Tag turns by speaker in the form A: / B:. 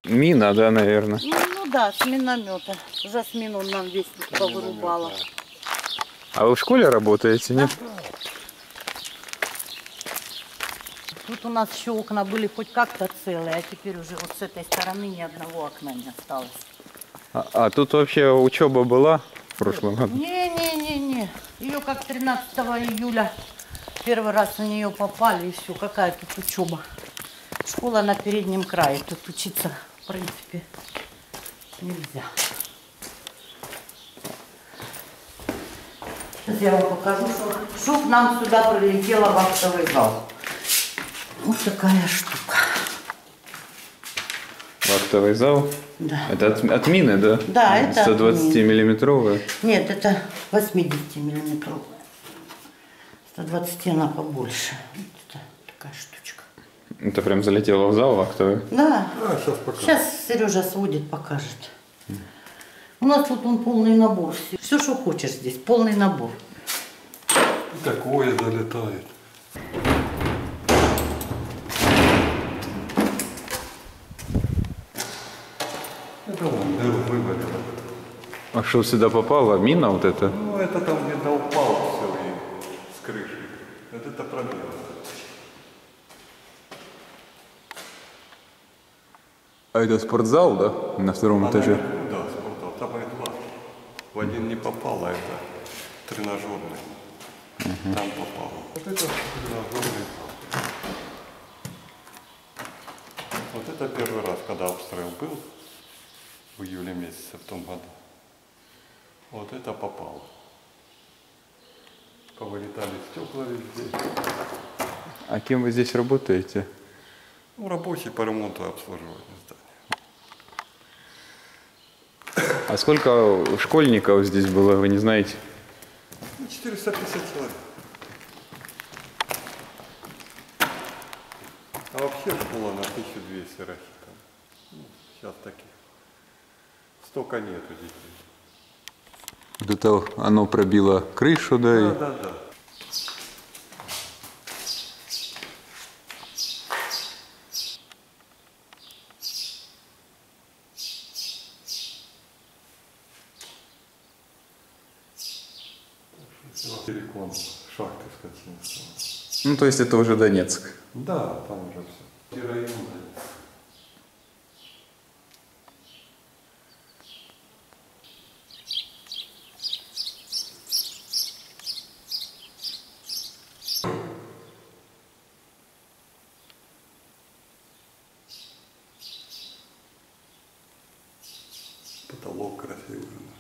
A: Мина, да, наверное.
B: Ну да, с миномета. Жасмину нам весь повырубала.
A: А вы в школе работаете, нет?
B: Тут у нас еще окна были хоть как-то целые, а теперь уже вот с этой стороны ни одного окна не осталось.
A: А тут вообще учеба была в прошлом году?
B: Не-не-не-не. Ее как 13 июля первый раз на нее попали, и все. Какая тут учеба? Школа на переднем крае. Тут учиться, в принципе, нельзя. Сейчас я вам покажу, что к нам сюда прилетело в актовый зал. Вот такая штука.
A: Вахтовый зал?
B: Да.
A: Это от мины, да?
B: Да, это
A: 120-миллиметровая?
B: Нет, это 80-миллиметровая. 120 она побольше. Вот это такая штучка.
A: Это прям залетело в зал вахтовый?
B: Да.
C: Сейчас
B: Сейчас Сережа сводит, покажет. У нас тут он полный набор. Все, что хочешь здесь, полный набор.
C: Такое залетает. Это он дыру вывалил.
A: А что сюда попало? Мина вот эта?
C: Ну, это там где-то упал все и с крыши. Вот это пробило.
A: А это спортзал, да? На втором этаже?
C: Да, спортзал. Там и два. В один не попало, а это тренажерный. Там попало. Вот это тренажерный. Вот это первый раз, когда обстрел был в июле месяце в том году. Вот это попало. Повылетали стекла везде.
A: А кем вы здесь работаете?
C: Ну, рабочий по ремонту и обслуживанию здания.
A: А сколько школьников здесь было, вы не знаете?
C: 450 человек. А вообще школа на 1200 рассчитана. Ну, сейчас таких. Столько нету детей.
A: Вот это оно пробило крышу, да?
C: Да, да, да. Телеком, шахты скотинского.
A: Ну, то есть это уже Донецк.
C: Да, там уже все. И район. Потолок красивый.